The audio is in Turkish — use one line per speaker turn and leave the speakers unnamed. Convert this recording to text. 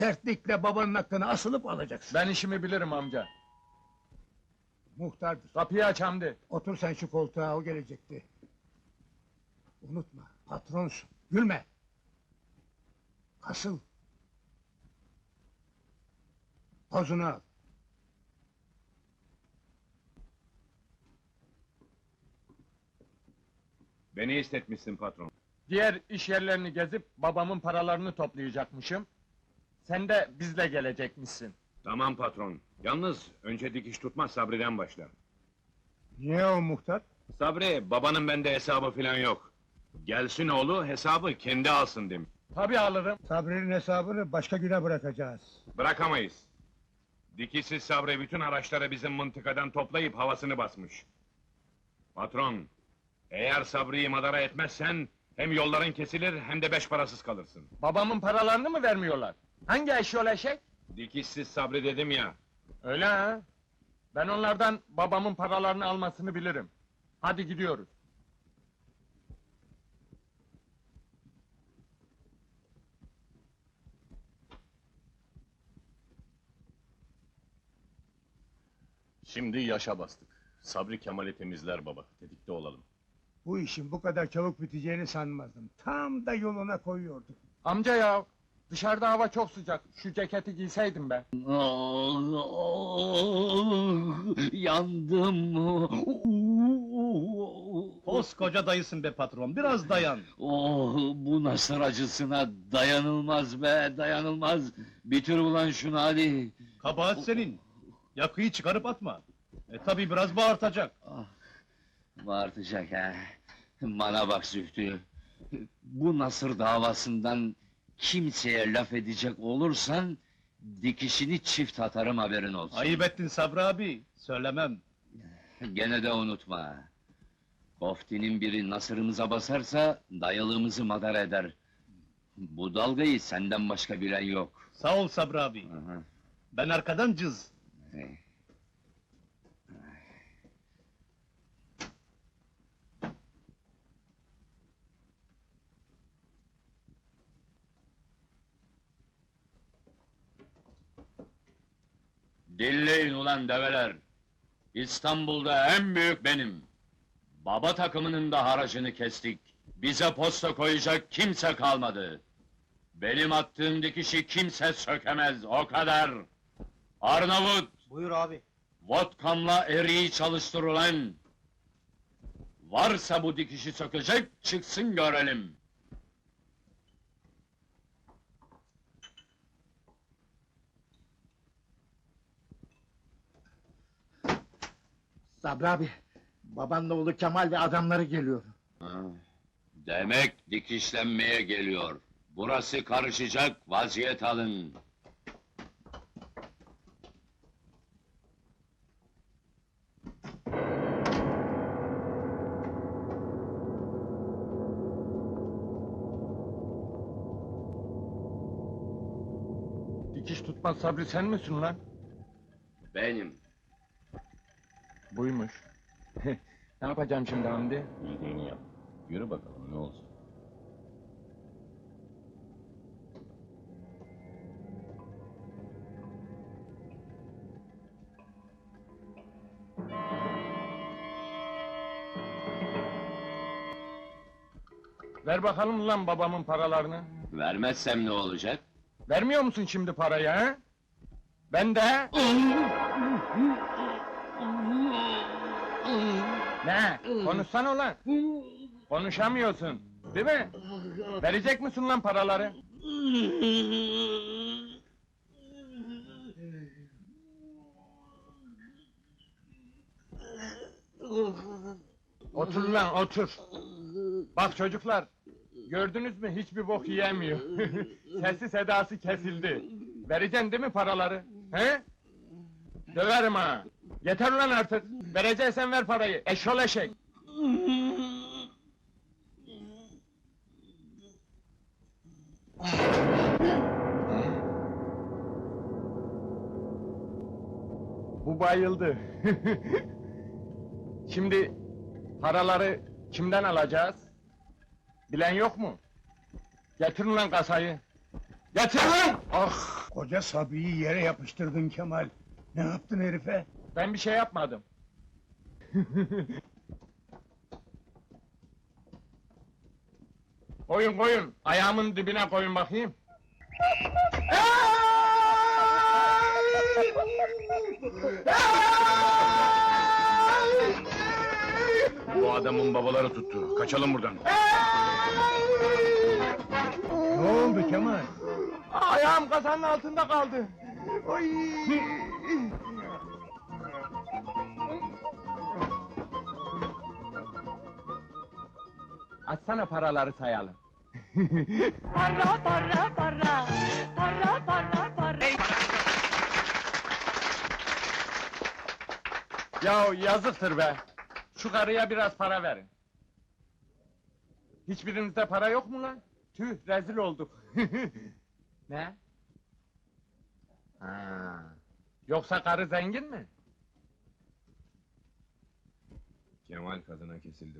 Sertlikle babanın hakkını asılıp alacaksın.
Ben işimi bilirim amca.
Muhtardır.
Kapıyı aç Hamdi.
Otur sen şu koltuğa, o gelecekti. Unutma, patronsun. Gülme. Kasıl. Pozunu al.
Beni istetmişsin patron.
Diğer iş yerlerini gezip babamın paralarını toplayacakmışım. Sen de bizle gelecekmişsin.
Tamam patron. Yalnız önce dikiş tutmaz Sabri'den başla.
Niye o muhtar?
Sabri, babanın bende hesabı filan yok. Gelsin oğlu hesabı kendi alsın demiş.
Tabii alırım.
Sabri'nin hesabını başka güne bırakacağız.
Bırakamayız. Dikişsiz Sabri bütün araçları bizim mıntıkadan toplayıp havasını basmış. Patron, eğer Sabri'yi madara etmezsen hem yolların kesilir hem de beş parasız kalırsın.
Babamın paralarını mı vermiyorlar? Hangi eşyol eşek?
Dikişsiz Sabri dedim ya.
Öyle ha? Ben onlardan babamın paralarını almasını bilirim. Hadi gidiyoruz.
Şimdi yaşa bastık. Sabri Kemal'i temizler baba. Tetikte olalım.
Bu işin bu kadar çabuk biteceğini sanmazdım. Tam da yoluna koyuyorduk.
Amca ya, dışarıda hava çok sıcak. Şu ceketi giyseydim be.
Yandım.
Koskoca dayısın be patron, biraz dayan.
Oh, bu nasır acısına dayanılmaz be, dayanılmaz. Bitir ulan şunu hadi.
Kabahat senin. Yakıyı çıkarıp atma. Tabii biraz bağırtacak.
Bağırtacak ha. Bana bak Zühtü. Bu nasır davasından kimseye laf edecek olursan dikişini çift atarım, haberin olsun.
Ayıp ettin Sabri abi, söylemem.
Gene de unutma. Koftinin biri nasırımıza basarsa dayalığımızı madar eder. Bu dalgayı senden başka bilen yok.
Sağ ol Sabri abi.
Aha.
Ben arkadan cız.
Dinleyin ulan develer! İstanbul'da en büyük benim! Baba takımının da haracını kestik. Bize posta koyacak kimse kalmadı. Benim attığım dikişi kimse sökemez, o kadar! Arnavut!
Buyur abi.
Vodkamla eriği çalıştır ulan! Varsa bu dikişi sökecek, çıksın görelim!
Sabri abi, babanla oğlu Kemal ve adamları geliyor.
Ha, demek dikişlenmeye geliyor. Burası karışacak, vaziyet alın.
Dikiş tutmaz Sabri sen misin lan?
Benim.
Buymuş. Ne yapacağım şimdi Hamdi?
Bildiğini yap. Yürü bakalım ne olacak.
Ver bakalım lan babamın paralarını.
Vermezsem ne olacak?
Vermiyor musun şimdi parayı ha? Ben de... Ne? Konuşsana ulan! Konuşamıyorsun, değil mi? Verecek misin lan paraları? Otur lan, otur! Bak çocuklar, gördünüz mü hiçbir bok yiyemiyor. Sesi sedası kesildi. Vereceksin değil mi paraları? He? Döverim ha! Yeter ulan artık! Vereceksen ver parayı, eşşol eşek! Bu bayıldı. Şimdi paraları kimden alacağız? Bilen yok mu? Getirin lan kasayı! Getir lan! Ah!
Koca Sabri'yi yere yapıştırdın Kemal. Ne yaptın herife?
Ben bir şey yapmadım. Koyun koyun, ayağımın dibine koyun bakayım.
Bu adamın babaları tuttu. Kaçalım buradan.
Ne oldu Kemal?
Ayağım kasanın altında kaldı. Oy! Açsana paraları sayalım.
Para para para para para para.
Ya yazıktır be. Şu karıya biraz para verin. Hiçbirinizde para yok mu lan? Tüh, rezil olduk. Ne? Ha. Yoksa karı zengin mi?
Kemal kadına kesildi.